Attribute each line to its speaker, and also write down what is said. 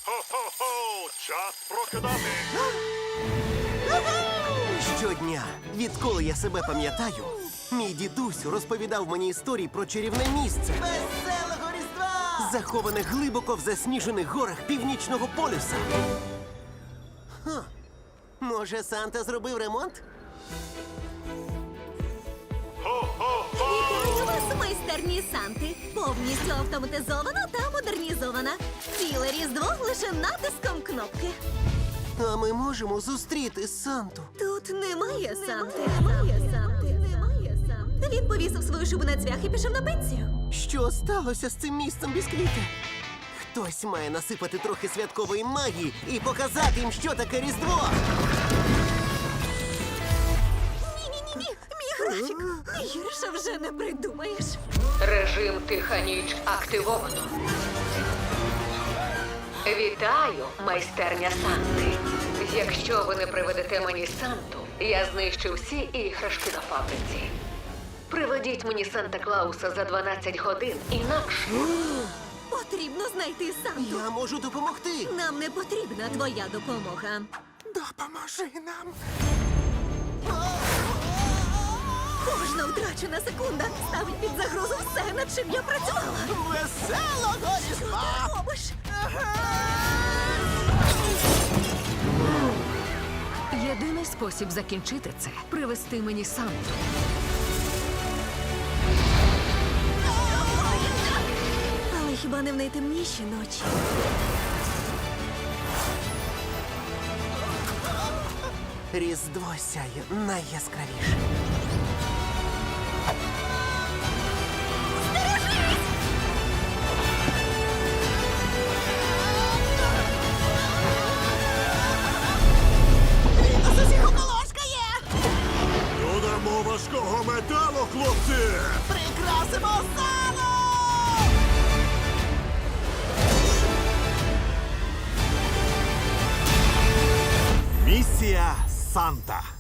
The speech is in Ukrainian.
Speaker 1: Хо-хо-хо! Час прокидати!
Speaker 2: Щодня, відколи я себе пам'ятаю, мій дідусь розповідав мені історії про чарівне місце,
Speaker 3: Веселого Різдва!
Speaker 2: заховане глибоко в засніжених горах Північного полюса. Може, Санта зробив ремонт?
Speaker 4: Вітаю вас, майстерні Санти! Повністю автоматизована та модернізована. Ціле Різдво лише натиском кнопки.
Speaker 2: А ми можемо зустріти Санту.
Speaker 4: Тут немає Санти. Немає Санти. Він повісив свою шубу на цвях і пішов на пенсію.
Speaker 2: Що сталося з цим місцем бісквіта? Хтось має насипати трохи святкової магії і показати їм, що таке Різдво.
Speaker 4: Ні-ні-ні, мій графік. Гірше вже не придумаєш.
Speaker 5: Режим тиха ніч активовано. Вітаю, майстерня Санти. Якщо ви не приведете мені Санту, я знищу всі іграшки на фабриці. Приведіть мені Санта-Клауса за 12 годин, інакше.
Speaker 4: Потрібно знайти Санту.
Speaker 2: Я можу допомогти.
Speaker 4: Нам не потрібна твоя допомога.
Speaker 2: Допоможи нам.
Speaker 4: Кожна втрачена секунда ставить під загрозу все, над чим я працювала.
Speaker 3: Веселого
Speaker 4: Що
Speaker 3: Різдва!
Speaker 4: ти робиш?
Speaker 5: Єдиний спосіб закінчити це – привести мені Санту.
Speaker 4: Але хіба не в найтемніші ночі?
Speaker 2: Різдво сяє найяскравіше.
Speaker 3: З усіх околошкає!
Speaker 1: Додамо важкого металу, хлопці!
Speaker 3: Прикрасимо сало!
Speaker 1: Місія Санта.